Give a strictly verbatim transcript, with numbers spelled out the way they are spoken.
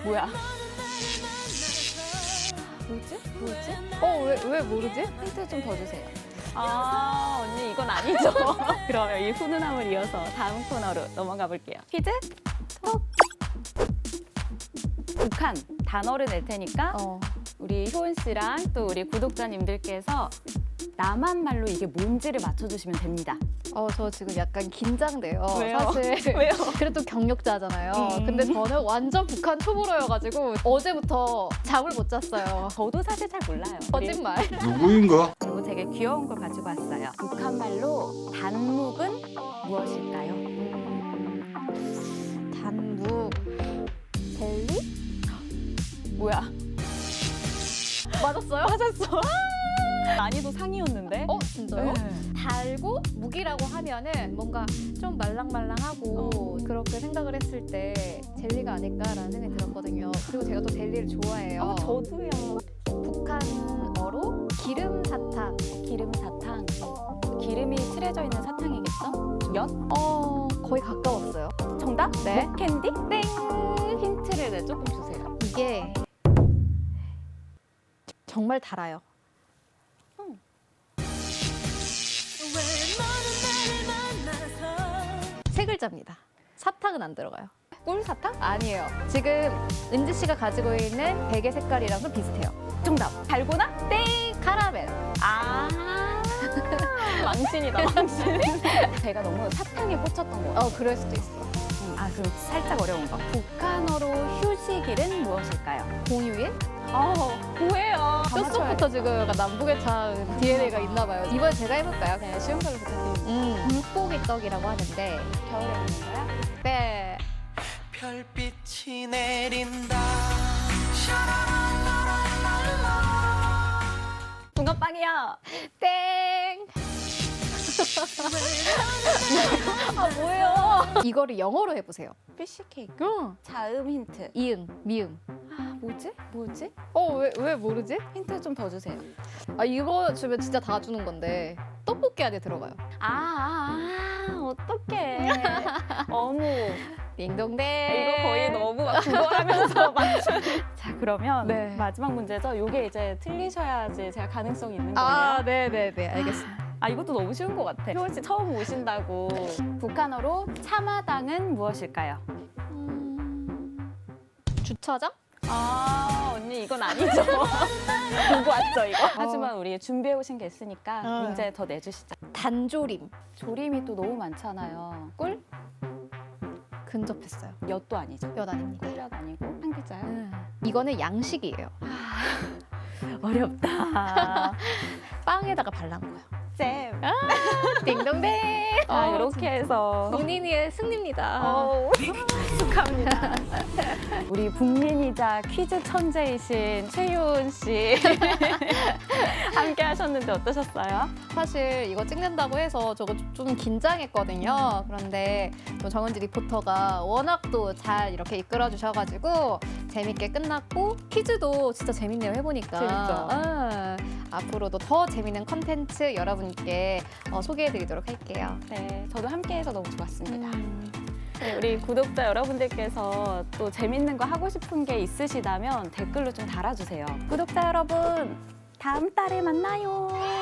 뭐야? 뭐지? 뭐지? 어, 왜, 왜 모르지? 힌트 좀 더 주세요. 아, 언니 이건 아니죠. 그러면 이 훈훈함을 이어서 다음 코너로 넘어가 볼게요. 퀴즈 톡! 북한 단어를 낼 테니까 어. 우리 효은 씨랑 또 우리 구독자님들께서 남한 말로 이게 뭔지를 맞춰주시면 됩니다. 어, 저 지금 약간 긴장돼요. 왜요? 사실. 왜요? 그래도 경력자잖아요. 음. 근데 저는 완전 북한 초보러여가지고 어제부터 잠을 못 잤어요. 저도 사실 잘 몰라요. 거짓말. 누구인가? 그리고 되게 귀여운 걸 가지고 왔어요. 북한 말로 단묵은 무엇일까요? 단묵. 젤리? 뭐야? 맞았어요? 맞았어. 난이도 상이었는데? 어, 진짜요? 네. 달고 묵이라고 하면은 뭔가 좀 말랑말랑하고 어. 그렇게 생각을 했을 때 젤리가 아닐까라는 생각이 들었거든요. 그리고 제가 또 젤리를 좋아해요. 어, 저도요. 북한어로 기름 사탕. 기름 사탕. 기름이 칠해져 있는 사탕이겠죠? 엿? 어, 거의 가까웠어요. 정답? 네. 목캔디? 땡! 힌트를 네, 조금 주세요. 이게 정말 달아요. 세 글자입니다. 사탕은 안 들어가요. 꿀사탕? 아니에요. 지금 은지 씨가 가지고 있는 베개 색깔이랑은 비슷해요. 정답. 달고나? 땡! 카라멜. 아. 망신이다, 망신. 제가 너무 사탕에 꽂혔던 거 같아요. 어, 그럴 수도 있어. 아, 그럼 살짝 어려운 거. 북한어로 휴식일은 무엇일까요? 공휴일? 어, 뭐예요? 뼛속부터 지금 약간 남북의 참 디엔에이가 있나 봐요. 이번에 제가 해볼까요? 네, 쉬운 걸로 부탁드립니다. 음, 물고기 떡이라고 하는데 겨울에 먹는 거야? 네. 별빛이 내린다. 붕어빵이요. 땡! 아, 뭐예요? 이거를 영어로 해보세요. 피쉬 케이크. 응. 자음 힌트. 이응, 미응. 아, 뭐지? 뭐지? 어, 왜, 왜 모르지? 힌트 좀 더 주세요. 아, 이거 주면 진짜 다 주는 건데 떡볶이 안에 들어가요. 아, 아, 아 어떡해. 어묵. 딩동댕. 이거 거의 너무 막 구걸하면서 맞춘. 자, 그러면 네. 마지막 문제죠. 요게 이제 틀리셔야지 제가 가능성이 있는 거예요. 아, 네네네. 알겠습니다. 아, 이것도 너무 쉬운 것 같아. 효은 씨 처음 오신다고. 북한어로 차마당은 무엇일까요? 음, 주차장? 아, 언니 이건 아니죠. 보고 왔죠, 이거. 하지만 우리 준비해 오신 게 있으니까 어. 문제 더 내주시죠. 단조림. 조림이 또 너무 많잖아요. 꿀? 근접했어요. 엿도 아니죠. 엿 아닙니다. 꿀엿 아니고 한 글자요? 음, 이거는 양식이에요. 어렵다. 빵에다가 발란 거예요. 잼. 딩동댕. 아, 어, 이렇게 해서. 본인의 승리입니다. 어우, 축하합니다. 우리 국민이자 퀴즈 천재이신 최효은 씨 함께 하셨는데 어떠셨어요? 사실 이거 찍는다고 해서 저거 좀 긴장했거든요. 그런데 또 정은지 리포터가 워낙 또 잘 이렇게 이끌어 주셔가지고 재밌게 끝났고 퀴즈도 진짜 재밌네요 해보니까. 재밌죠? 아, 앞으로도 더 재밌는 컨텐츠 여러분께 어, 소개해드리도록 할게요. 네, 저도 함께해서 너무 좋았습니다. 음. 네, 우리 구독자 여러분들께서 또 재밌는 거 하고 싶은 게 있으시다면 댓글로 좀 달아주세요. 구독자 여러분, 다음 달에 만나요.